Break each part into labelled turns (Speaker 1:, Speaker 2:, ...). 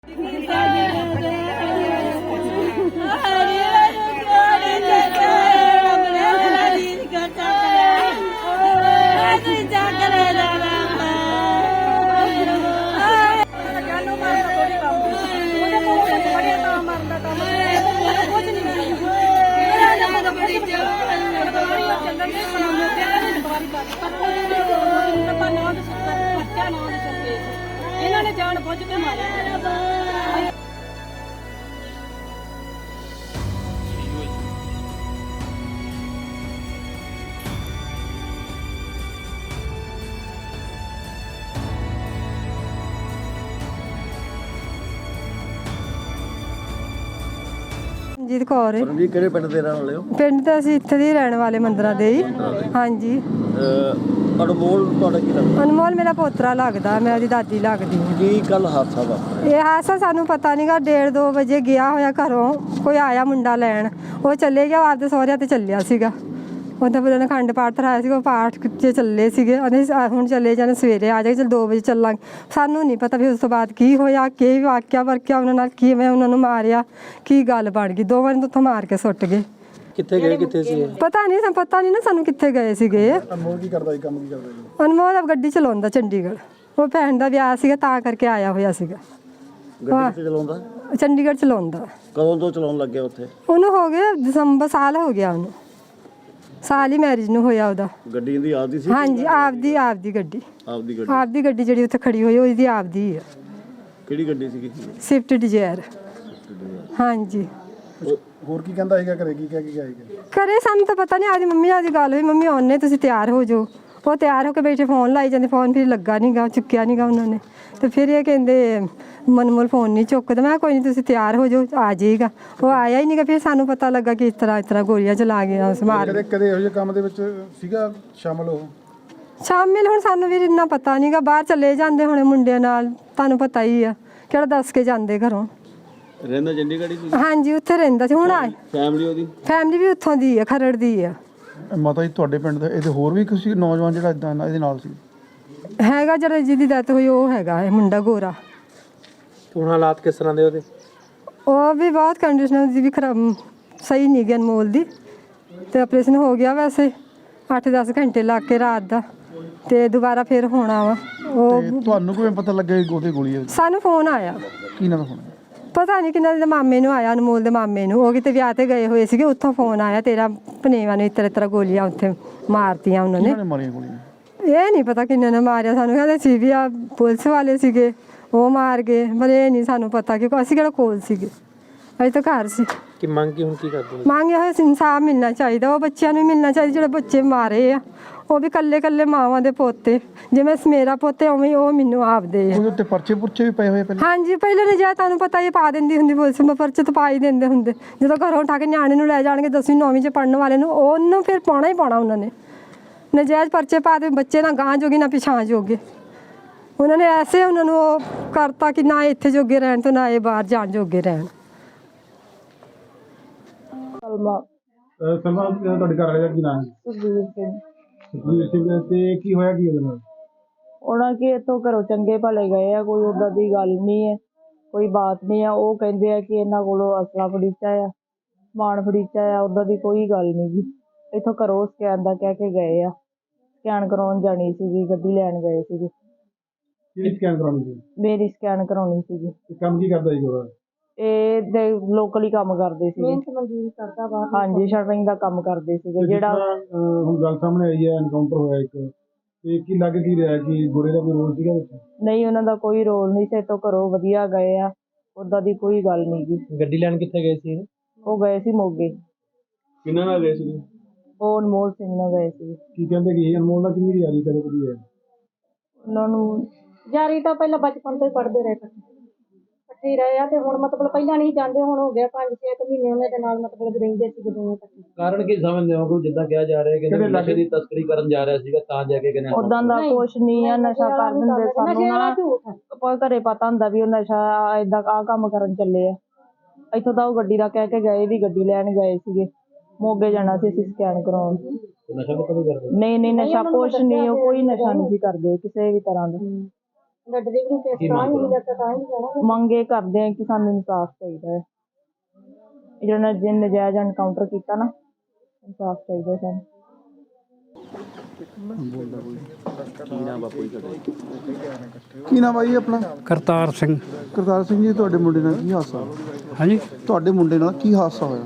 Speaker 1: इन्होंने जान बुझ के मारे।
Speaker 2: ਰਣਜੀਤ ਕੌਰ
Speaker 3: ਜੀ ਕਿਹੜੇ ਪਿੰਡ ਦੇ ਰਹਿਣ ਵਾਲੇ ਹੋ?
Speaker 2: ਪਿੰਡ ਤਾਂ ਅਸੀਂ ਇੱਥੇ ਦੇ ਹੀ ਰਹਿਣ ਵਾਲੇ ਮੰਦਰਾਂ ਦੇ ਹੀ। ਹਾਂਜੀ।
Speaker 3: ਅਨਮੋਲ ਤੁਹਾਡਾ ਕੀ ਲੱਗਦਾ?
Speaker 2: ਅਨਮੋਲ ਮੇਰਾ ਪੋਤਰਾ ਲੱਗਦਾ, ਮੈਂ ਉਹਦੀ ਦਾਦੀ ਲੱਗਦੀ ਹਾਂ।
Speaker 3: ਕੀ ਕੱਲ ਹਾਦਸਾ ਵਾਪਰਿਆ?
Speaker 2: ਇਹ ਹਾਦਸਾ ਸਾਨੂੰ ਪਤਾ ਨਹੀਂਗਾ, 1:30-2 ਵਜੇ ਗਿਆ ਹੋਇਆ ਘਰੋਂ, ਕੋਈ ਆਇਆ ਮੁੰਡਾ ਲੈਣ, ਉਹ ਚੱਲੇ ਗਿਆ ਆਪਦੇ ਸਹੁਰਿਆਂ ਤੇ ਚੱਲਿਆ ਸੀਗਾ। ਉਹਦਾ ਫਿਰ ਉਹਨੇ ਅਖੰਡ ਪਾਠ ਧਰਾਇਆ ਸੀਗਾ, ਉਹ ਪਾਠ 'ਚ ਚੱਲੇ ਸੀਗੇ। ਉਹਨੇ ਹੁਣ ਚੱਲੇ ਜਾਣੇ, ਸਵੇਰੇ ਆ ਜਾਏ, ਚਲ 2 ਵਜੇ ਚੱਲਾਂਗੇ। ਸਾਨੂੰ ਨਹੀਂ ਪਤਾ ਵੀ ਉਸ ਤੋਂ ਬਾਅਦ ਕੀ ਹੋਇਆ, ਕੀ ਵਾਕਿਆ ਵਰਕਿਆ ਉਹਨਾਂ ਨਾਲ, ਕਿਵੇਂ ਉਹਨਾਂ ਨੂੰ ਮਾਰਿਆ, ਕੀ ਗੱਲ ਬਣ ਗਈ। ਦੋਵਾਂ ਨੂੰ ਉੱਥੋਂ ਮਾਰ ਕੇ ਸੁੱਟ ਗਏ।
Speaker 4: ਕਿੱਥੇ ਗਏ, ਕਿੱਥੇ ਸੀ?
Speaker 2: ਪਤਾ ਨਹੀਂ ਨਾ ਸਾਨੂੰ ਕਿੱਥੇ ਗਏ ਸੀਗੇ।
Speaker 3: ਅਨਮੋਲ ਕੀ ਕਰਦਾ ਸੀ, ਕੰਮ ਕੀ ਕਰਦਾ ਸੀ?
Speaker 2: ਅਨਮੋਲ ਗੱਡੀ ਚਲਾਉਂਦਾ ਚੰਡੀਗੜ੍ਹ, ਉਹ ਭੈਣ ਦਾ ਵਿਆਹ ਸੀਗਾ ਤਾਂ ਕਰਕੇ ਆਇਆ ਹੋਇਆ ਸੀਗਾ।
Speaker 3: ਗੱਡੀ ਕਿੱਥੇ ਚਲਾਉਂਦਾ?
Speaker 2: ਚੰਡੀਗੜ੍ਹ ਚਲਾਉਂਦਾ।
Speaker 3: ਕਦੋਂ ਤੋਂ ਚਲਾਉਣ ਲੱਗਿਆ ਉੱਥੇ?
Speaker 2: ਉਹਨੂੰ ਹੋ ਗਿਆ ਦਸੰਬਰ, ਸਾਲ ਹੋ ਗਿਆ ਉਹਨੂੰ, ਸਾਲ ਹੀ ਮੈਰਿਜ ਨੂੰ ਹੋਇਆ ਉਹਦਾ।
Speaker 3: ਗੱਡੀ ਇਹਦੀ ਆਪਦੀ ਸੀ?
Speaker 2: ਹਾਂਜੀ, ਆਪਦੀ ਗੱਡੀ। ਆਪਦੀ ਗੱਡੀ ਜਿਹੜੀ ਉੱਥੇ ਖੜੀ ਹੋਈ ਉਹਦੀ ਆਪਦੀ ਆ।
Speaker 3: ਕਿਹੜੀ ਗੱਡੀ ਸੀਗੀ?
Speaker 2: Swift Dzire. ਹਾਂਜੀ।
Speaker 3: ਹੋਰ ਕੀ ਕਹਿੰਦਾ ਹੈਗਾ, ਘਰੇ ਕੀ ਕਹਿ ਕੇ ਗਿਆ ਹੈਗਾ?
Speaker 2: ਘਰੇ ਸਾਨੂੰ ਤਾਂ ਪਤਾ ਨਹੀਂ, ਆਦੀ ਮੰਮੀ ਨਾਲ ਦੀ ਗੱਲ ਹੋਈ, ਮੰਮੀ ਆਉਣੇ ਤੁਸੀਂ ਤਿਆਰ ਹੋ ਜਾਓ। ਉਹ ਤਿਆਰ ਹੋ ਕੇ ਬੈਠੇ, ਫੋਨ ਲਾਈ ਜਾਂਦੇ, ਫੋਨ ਫਿਰ ਲੱਗਾ ਨਹੀਂਗਾ, ਚੁੱਕਿਆ ਨਹੀਂਗਾ ਉਹਨਾਂ ਨੇ। ਤੇ ਫਿਰ ਇਹ ਕਹਿੰਦੇ ਮਨਮੋਲ ਫੋਨ ਨਹੀਂ ਚੁੱਕਦਾ। ਮੈਂ ਕੋਈ ਨਹੀਂ ਤੁਸੀਂ ਤਿਆਰ ਹੋ ਜਾਓ, ਆ ਜਾਏਗਾ। ਉਹ ਆਇਆ ਹੀ ਨਹੀਂਗਾ। ਫਿਰ ਸਾਨੂੰ ਪਤਾ ਲੱਗਾ ਕਿ ਇਸ ਤਰ੍ਹਾਂ ਗੋਲੀਆਂ ਚਲਾ ਗਈਆਂ ਉਸ ਮਾਰ।
Speaker 3: ਕਦੇ ਇਹੋ ਜਿਹੇ ਕੰਮ ਦੇ ਵਿੱਚ ਸੀਗਾ ਸ਼ਾਮਲ ਉਹ?
Speaker 2: ਸ਼ਾਮਿਲ ਹੁਣ ਸਾਨੂੰ ਵੀ ਇੰਨਾ ਪਤਾ ਨਹੀਂਗਾ, ਬਾਹਰ ਚਲੇ ਜਾਂਦੇ ਹੁਣੇ ਮੁੰਡਿਆਂ ਨਾਲ, ਤੁਹਾਨੂੰ ਪਤਾ ਹੀ ਆ ਕਿਹੜਾ ਦੱਸ ਕੇ ਜਾਂਦੇ ਘਰੋਂ।
Speaker 4: ਰਹਿੰਦਾ ਚੰਡੀਗੜ੍ਹ ਹੀ?
Speaker 2: ਹਾਂਜੀ, ਉੱਥੇ ਰਹਿੰਦਾ ਸੀ। ਹੁਣ ਆਏ
Speaker 4: ਫੈਮਿਲੀ ਉਹਦੀ?
Speaker 2: ਫੈਮਿਲੀ ਵੀ ਉੱਥੋਂ ਦੀ ਆ, ਖਰੜ ਦੀ ਆ।
Speaker 3: ਮਾਤਾ ਜੀ ਤੁਹਾਡੇ ਪਿੰਡ ਦੇ ਇਹਦੇ ਹੋਰ ਵੀ ਕਿਸੇ ਨੌਜਵਾਨ ਜਿਹੜਾ ਇਦਾਂ ਇਹਦੇ ਨਾਲ ਸੀ?
Speaker 2: ਹੈਗਾ ਜਿਹੜਾ ਜਿਹਦੀ ਡੈਥ ਹੋਈ, ਉਹ ਹੈਗਾ ਇਹ ਮੁੰਡਾ ਗੋਰਾ।
Speaker 4: ਹੁਣ ਹਾਲਾਤ ਕਿਸ ਤਰ੍ਹਾਂ ਦੇ ਉਹਦੇ?
Speaker 2: ਉਹ ਵੀ ਬਹੁਤ ਕੰਡੀਸ਼ਨ ਉਹਦੀ ਵੀ ਖਰਾਬ, ਸਹੀ ਨਹੀਂ ਗਈ ਅਨਮੋਲ ਦੀ। ਤੇ ਆਪਰੇਸ਼ਨ ਹੋ ਗਿਆ ਵੈਸੇ 8-10 ਘੰਟੇ ਲੱਗ ਕੇ ਰਾਤ ਦਾ, ਤੇ ਦੁਬਾਰਾ ਫਿਰ ਹੋਣਾ ਵਾ। ਉਹ
Speaker 3: ਤੁਹਾਨੂੰ ਕਿਵੇਂ ਪਤਾ ਲੱਗਿਆ ਕਿ ਉਹਦੇ ਗੋਲੀ?
Speaker 2: ਸਾਨੂੰ ਫੋਨ ਆਇਆ।
Speaker 3: ਕੀ ਨਾ ਫੋਨ?
Speaker 2: ਪਤਾ ਨਹੀਂ ਕਿਹਨਾਂ ਦੇ ਮਾਮੇ ਨੂੰ ਆਇਆ, ਅਨਮੋਲ ਦੇ ਮਾਮੇ ਨੂੰ। ਉਹ ਕਿਤੇ ਵਿਆਹ ਤੇ ਗਏ ਹੋਏ ਸੀਗੇ, ਉੱਥੋਂ ਫੋਨ ਆਇਆ, ਤੇਰਾ ਭਨੇਵਾ ਨੇ ਇਸ ਤਰ੍ਹਾਂ ਗੋਲੀਆਂ ਉੱਥੇ ਮਾਰਤੀਆਂ ਉਹਨਾਂ ਨੇ।
Speaker 3: ਮਾਰੀਆਂ ਗੋਲੀਆਂ? ਇਹ
Speaker 2: ਨਹੀਂ ਪਤਾ ਕਿੰਨੇ ਨੇ ਮਾਰਿਆ, ਸਾਨੂੰ ਕਹਿੰਦੇ ਸੀ ਵੀ ਆ ਪੁਲਿਸ ਵਾਲੇ ਸੀਗੇ, ਉਹ ਮਾਰ ਗਏ, ਪਰ ਇਹ ਨਹੀਂ ਸਾਨੂੰ ਪਤਾ ਕਿ ਅਸੀਂ ਕਿਹੜਾ ਕੋਲ ਸੀਗੇ, ਅਸੀਂ ਤਾਂ ਘਰ ਸੀ।
Speaker 4: ਕਿ ਮੰਗ ਕੀ ਹੁਣ ਕੀ ਕਰਦੇ?
Speaker 2: ਮੰਗ ਇਹ ਇਨਸਾਫ ਮਿਲਣਾ ਚਾਹੀਦਾ, ਉਹ ਬੱਚਿਆਂ ਨੂੰ ਮਿਲਣਾ ਚਾਹੀਦਾ ਜਿਹੜੇ ਬੱਚੇ ਮਾਰੇ ਆ। ਉਹ ਵੀ ਕੱਲੇ ਮਾਵਾਂ ਦੇ ਪੋਤੇ, ਜਿਵੇਂ ਮੇਰਾ ਪੋਤੇ ਉਵੇਂ ਉਹ ਮੈਨੂੰ ਆਪਦੇ ਆ।
Speaker 3: ਉਹਦੇ ਉੱਤੇ ਪਰਚੇ ਪੁਰਚੇ ਵੀ ਪਏ ਹੋਏ ਪਹਿਲਾਂ?
Speaker 2: ਹਾਂਜੀ, ਪਹਿਲੇ ਨੇ ਜੇ ਤੁਹਾਨੂੰ ਪਤਾ ਇਹ ਪਾ ਦਿੰਦੀ ਹੁੰਦੀ ਪੁਲਿਸ, ਪਰਚੇ ਤਾਂ ਪਾ ਹੀ ਦਿੰਦੇ ਹੁੰਦੇ। ਜਦੋਂ ਘਰੋਂ ਉਠਾ ਕੇ ਨਿਆਣੇ ਨੂੰ ਲੈ ਜਾਣਗੇ 10ਵੀਂ 9ਵੀਂ 'ਚ ਪੜ੍ਹਨ ਵਾਲੇ ਨੂੰ, ਉਹਨੂੰ ਫਿਰ ਪਾਉਣਾ ਹੀ ਪਾਉਣਾ ਉਹਨਾਂ ਨੇ। ਨਜਾਇਜ਼ ਪਰਚੇ ਪਾ ਦੇ, ਬੱਚੇ ਨਾ ਗਾਂ ਜੋਗੇ ਨਾ ਪਿਛਾਂ ਜੋਗੇ। ਉਹਨਾਂ ਨੇ ਐਸੇ ਉਹਨਾਂ ਨੂੰ ਉਹ ਕਰਤਾ ਕਿ ਨਾ ਇੱਥੇ ਜੋਗੇ ਰਹਿਣ ਤੇ ਨਾ ਇਹ ਬਾਹਰ ਜਾਣ ਜੋਗੇ ਰਹਿਣ।
Speaker 3: ਸਲਮਾ ਤੁਹਾਡੇ ਘਰ ਵਾਲੇ ਦਾ ਕੀ ਨਾਮ ਹੈ? ਸੁਖਬੀਰ ਸਿੰਘ। ਤੇ ਕੀ ਹੋਇਆ ਕੀ ਉਹਦੇ ਨਾਲ?
Speaker 5: ਉਹਨਾਂ ਕਿ ਇੱਥੋਂ ਘਰੋਂ ਚੰਗੇ ਭਲੇ ਗਏ ਆ, ਕੋਈ ਉੱਦਾਂ ਦੀ ਗੱਲ ਨਹੀਂ ਹੈ, ਕੋਈ ਬਾਤ ਨਹੀਂ ਆ। ਉਹ ਕਹਿੰਦੇ ਆ ਕਿ ਇਹਨਾਂ ਕੋਲੋਂ ਅਸਲਾ ਫੜੀਚਾ ਆ, ਸਮਾਨ ਫੜੀਚਾ ਆ, ਉੱਦਾਂ ਦੀ ਕੋਈ ਗੱਲ ਨਹੀਂ ਗੀ। ਇੱਥੋਂ ਘਰੋਂ ਸਕੈਨ ਦਾ ਕਹਿ ਕੇ ਗਏ ਆ, ਸਕੈਨ ਕਰਾਉਣ ਜਾਣੀ ਸੀਗੀ, ਗੱਡੀ ਲੈਣ ਗਏ ਸੀਗੇ।
Speaker 3: ਕਿਹੜੀ ਸਕੈਨ ਕਰਾਉਣੀ ਸੀ? ਮੇਰੀ
Speaker 5: ਸਕੈਨ ਕਰਾਉਣੀ ਸੀਗੀ।
Speaker 3: ਕੰਮ ਕੀ ਕਰਦਾ ਸੀ ਗੋਰਾ?
Speaker 5: ਇਹ ਲੋਕਲ ਹੀ ਕੰਮ ਕਰਦੇ ਸੀਗੇ। ਹਾਂਜੀ, ਸ਼ਟਰਿੰਗ ਦਾ ਕੰਮ ਕਰਦੇ ਸੀਗੇ। ਜਿਹੜਾ
Speaker 3: ਹੁਣ ਗੱਲ ਸਾਹਮਣੇ ਆਈ ਹੈ, ਐਨਕਾਊਂਟਰ ਹੋਇਆ ਇੱਕ, ਤੇ ਕੀ ਲੱਗ ਕੀ ਰਿਹਾ ਕਿ ਗੋਰੇ ਦਾ ਕੋਈ ਰੋਲ ਸੀਗਾ ਵਿੱਚ?
Speaker 5: ਨਹੀਂ, ਉਹਨਾਂ ਦਾ ਕੋਈ ਰੋਲ ਨਹੀਂ ਸੀ। ਇੱਥੋਂ ਘਰੋਂ ਵਧੀਆ ਗਏ ਆ, ਉੱਦਾਂ ਦੀ ਕੋਈ ਗੱਲ ਨਹੀਂ ਗੀ।
Speaker 4: ਗੱਡੀ ਲੈਣ ਕਿੱਥੇ ਗਏ ਸੀ?
Speaker 5: ਉਹ ਗਏ ਸੀ ਮੋਗੇ।
Speaker 4: ਕਿਹਨਾਂ ਨਾਲ ਗਏ ਸੀ?
Speaker 5: ਉਹ ਅਨਮੋਲ ਸਿੰਘ ਨਾਲ ਗਏ ਸੀ।
Speaker 3: ਕੀ ਕਹਿੰਦੇ ਕਿ ਅਨਮੋਲ ਨਾਲ ਕਿੰਨੀ ਯਾਰੀ ਕਰੇ ਕੁੜੀ ਹੈ?
Speaker 5: ਉਹਨਾਂ ਨੂੰ
Speaker 6: ਯਾਰੀ ਤਾਂ ਪਹਿਲਾਂ ਬਚਪਨ ਤੋਂ ਹੀ ਪੜ੍ਹਦੇ ਰਹੇ, ਇਕੱਠੇ ਹੀ ਰਹੇ ਆ। ਤੇ ਹੁਣ ਮਤਲਬ ਪਹਿਲਾਂ ਨਹੀਂ ਜਾਂਦੇ, ਹੁਣ ਹੋ ਗਿਆ 5-6 ਮਹੀਨੇ ਉਹਨਾਂ ਦੇ ਨਾਲ ਮਤਲਬ ਰਹਿੰਦੇ ਸੀ ਦੋਵੇਂ ਇਕੱਠੇ।
Speaker 4: ਕਾਰਨ ਕੀ ਸਮਝਦੇ ਹੋ? ਜਿੱਦਾਂ ਕਿਹਾ ਜਾ ਰਿਹਾ ਕਿ ਨਸ਼ੇ ਦੀ ਤਸਕਰੀ ਕਰਨ ਜਾ ਰਿਹਾ ਸੀਗਾ ਤਾਂ ਜਾ ਕੇ ਕਹਿੰਦੇ
Speaker 5: ਉਦਾਂ ਦਾ ਕੁਛ ਨਹੀਂ ਆ। ਨਸ਼ਾ ਕਰ ਦਿੰਦੇ ਸਾਨੂੰ ਨਾ, ਕੋਈ ਘਰੇ ਪਤਾ ਹੁੰਦਾ ਵੀ ਉਹ ਨਸ਼ਾ ਏਦਾਂ ਆਹ ਕੰਮ ਕਰਨ ਚੱਲੇ ਆ। ਇੱਥੋਂ ਤਾਂ ਉਹ ਗੱਡੀ ਦਾ ਕਹਿ ਕੇ ਗਏ ਵੀ ਗੱਡੀ ਲੈਣ ਗਏ ਸੀਗੇ, ਮੋਗੇ ਜਾਣਾ ਸੀ ਅਸੀਂ ਸਕੈਨ ਕਰਾਉਣ।
Speaker 4: ਨਸ਼ਾ ਪਤਾ ਨਹੀਂ ਕਰਦੇ?
Speaker 5: ਨਹੀਂ, ਨਸ਼ਾ ਕੁਛ ਨਹੀਂ, ਉਹ ਕੋਈ ਨਸ਼ਾ ਨਹੀਂ ਸੀ ਕਰਦੇ ਕਿਸੇ ਵੀ ਤਰ੍ਹਾਂ ਦਾ।
Speaker 6: ਡਿਲੀਵਰੀ ਕੇਸ ਤਾਂ ਹੀ ਮਿਲਿਆ ਤਾਂ ਹੀ ਜਾਣਾ।
Speaker 5: ਮੰਗ ਇਹ ਕਰਦੇ ਆ ਕਿ ਸਾਨੂੰ ਇਨਸਾਫ ਚਾਹੀਦਾ ਹੈ। ਜਿਹੜਾ ਨਜਾਇਜ਼ ਐਨਕਾਊਂਟਰ ਕੀਤਾ ਨਾ, ਇਨਸਾਫ ਚਾਹੀਦਾ ਸਾਨੂੰ।
Speaker 3: ਕੀ ਨਾਮ ਆ ਜੀ ਆਪਣਾ?
Speaker 7: ਕਰਤਾਰ ਸਿੰਘ।
Speaker 3: ਕਰਤਾਰ ਸਿੰਘ ਜੀ, ਤੁਹਾਡੇ ਮੁੰਡੇ ਨਾਲ ਕੀ ਹਾਦਸਾ ਹੋਇਆ?
Speaker 7: ਹਾਂਜੀ,
Speaker 3: ਤੁਹਾਡੇ ਮੁੰਡੇ ਨਾਲ ਕੀ ਹਾਦਸਾ ਹੋਇਆ?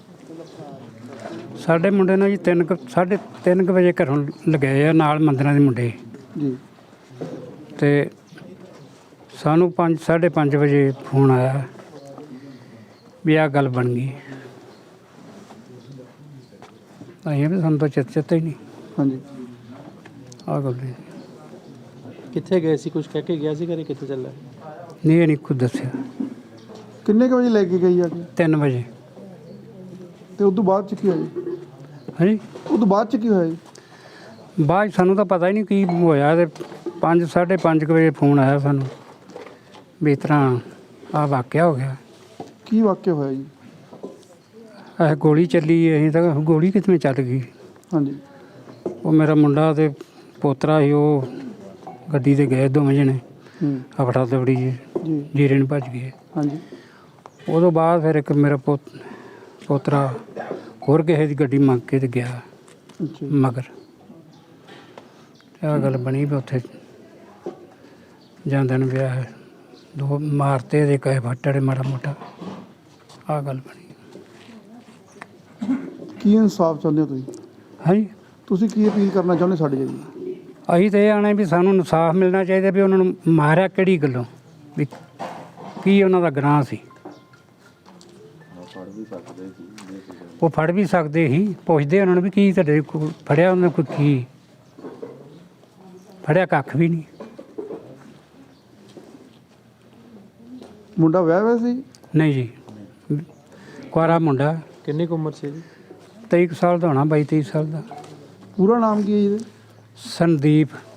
Speaker 7: ਸਾਡੇ ਮੁੰਡੇ ਨਾਲ ਜੀ 3:30 ਵਜੇ ਘਰੋਂ ਲਗਾਏ ਆ ਨਾਲ ਮੰਦਰਾਂ ਦੇ ਮੁੰਡੇ
Speaker 3: ਜੀ।
Speaker 7: ਤੇ ਸਾਨੂੰ 5:30 ਵਜੇ ਫੋਨ ਆਇਆ ਵੀ ਆਹ ਗੱਲ ਬਣ ਗਈ। ਅਸੀਂ ਵੀ ਸਾਨੂੰ ਤਾਂ ਚੇਤਾ ਹੀ ਨਹੀਂ
Speaker 3: ਹਾਂਜੀ।
Speaker 7: ਆਹ ਗੱਲ ਨਹੀਂ।
Speaker 8: ਕਿੱਥੇ ਗਏ ਸੀ? ਕੁਝ ਕਹਿ ਕੇ ਗਿਆ ਸੀ ਘਰੇ? ਕਿੱਥੇ ਚੱਲਾ?
Speaker 7: ਨਹੀਂ, ਇਹ ਨਹੀਂ ਕੁਝ ਦੱਸਿਆ।
Speaker 3: ਕਿੰਨੇ ਕੁ ਵਜੇ ਲੈ ਕੇ ਗਈ ਆ ਕੇ?
Speaker 7: 3 ਵਜੇ।
Speaker 3: ਤੇ ਉਸ ਤੋਂ ਬਾਅਦ ਚ ਕੀ ਹੋਇਆ ਜੀ?
Speaker 7: ਹਾਂਜੀ,
Speaker 3: ਉਸ ਤੋਂ ਬਾਅਦ ਚ ਕੀ ਹੋਇਆ ਜੀ?
Speaker 7: ਬਾਅਦ 'ਚ ਸਾਨੂੰ ਤਾਂ ਪਤਾ ਹੀ ਨਹੀਂ ਕੀ ਹੋਇਆ। ਤੇ 5:30 ਵਜੇ ਫੋਨ ਆਇਆ ਸਾਨੂੰ ਵੀ ਇਸ ਤਰ੍ਹਾਂ ਆਹ ਵਾਕਿਆ ਹੋ ਗਿਆ।
Speaker 3: ਕੀ ਵਾਕਿਆ ਹੋਇਆ ਜੀ?
Speaker 7: ਇਹ ਗੋਲੀ ਚੱਲੀ। ਅਸੀਂ ਤਾਂ ਗੋਲੀ ਕਿੱਥੇ ਚੱਲ ਗਈ।
Speaker 3: ਹਾਂਜੀ।
Speaker 7: ਉਹ ਮੇਰਾ ਮੁੰਡਾ ਤੇ ਪੋਤਰਾ ਸੀ, ਉਹ ਗੱਡੀ 'ਤੇ ਗਏ ਦੋਵੇਂ ਜਣੇ। ਹਫੜਾ ਦਫੜੀ
Speaker 3: ਜੀ।
Speaker 7: ਜੀਰੇ ਨੂੰ ਭੱਜ ਗਏ।
Speaker 3: ਹਾਂਜੀ।
Speaker 7: ਉਦੋਂ ਬਾਅਦ ਫਿਰ ਇੱਕ ਮੇਰਾ ਪੋਤਰਾ ਹੋਰ ਕਿਸੇ ਦੀ ਗੱਡੀ ਮੰਗ ਕੇ ਤੇ ਗਿਆ
Speaker 3: ਅੱਛਾ।
Speaker 7: ਮਗਰ। ਆਹ ਗੱਲ ਬਣੀ ਵੀ ਉੱਥੇ ਜਾਂਦੇ ਨੂੰ ਵਿਆਹ 2 ਮਾਰਤੇ ਦੇ ਕਹੇ ਫੱਟੜੇ ਮਾੜਾ ਮੋਟਾ। ਆਹ ਗੱਲ ਬਣੀ।
Speaker 3: ਕੀ ਇਨਸਾਫ ਚਾਹੁੰਦੇ ਹੋ ਤੁਸੀਂ?
Speaker 7: ਹਾਂਜੀ,
Speaker 3: ਤੁਸੀਂ ਕੀ ਅਪੀਲ ਕਰਨਾ ਚਾਹੁੰਦੇ ਸਾਡੇ ਜੀ?
Speaker 7: ਅਸੀਂ ਤਾਂ ਇਹ ਆਣੇ ਵੀ ਸਾਨੂੰ ਇਨਸਾਫ ਮਿਲਣਾ ਚਾਹੀਦਾ ਵੀ ਉਹਨਾਂ ਨੂੰ ਮਾਰਿਆ ਕਿਹੜੀ ਗੱਲੋਂ, ਵੀ ਕੀ ਉਹਨਾਂ ਦਾ ਗੁਨਾਹ ਸੀ। ਉਹ ਫੜ ਵੀ ਸਕਦੇ ਸੀ। ਪੁੱਛਦੇ ਉਹਨਾਂ ਨੂੰ ਵੀ ਕੀ ਤੁਹਾਡੇ ਕੋਲ ਫੜਿਆ ਉਹਨਾਂ ਕੋਈ, ਕੀ ਫੜਿਆ? ਕੱਖ ਵੀ ਨਹੀਂ।
Speaker 3: ਮੁੰਡਾ ਵਿਆਹ ਹੋਇਆ ਸੀ?
Speaker 7: ਨਹੀਂ ਜੀ, ਕੁਆਰਾ ਮੁੰਡਾ।
Speaker 8: ਕਿੰਨੀ ਕੁ ਉਮਰ ਸੀ ਜੀ?
Speaker 7: 23 ਸਾਲ ਦਾ ਹੋਣਾ, 22-23 ਸਾਲ ਦਾ।
Speaker 3: ਪੂਰਾ ਨਾਮ ਕੀ ਹੈ ਜੀ ਇਹਦਾ?
Speaker 7: ਸੰਦੀਪ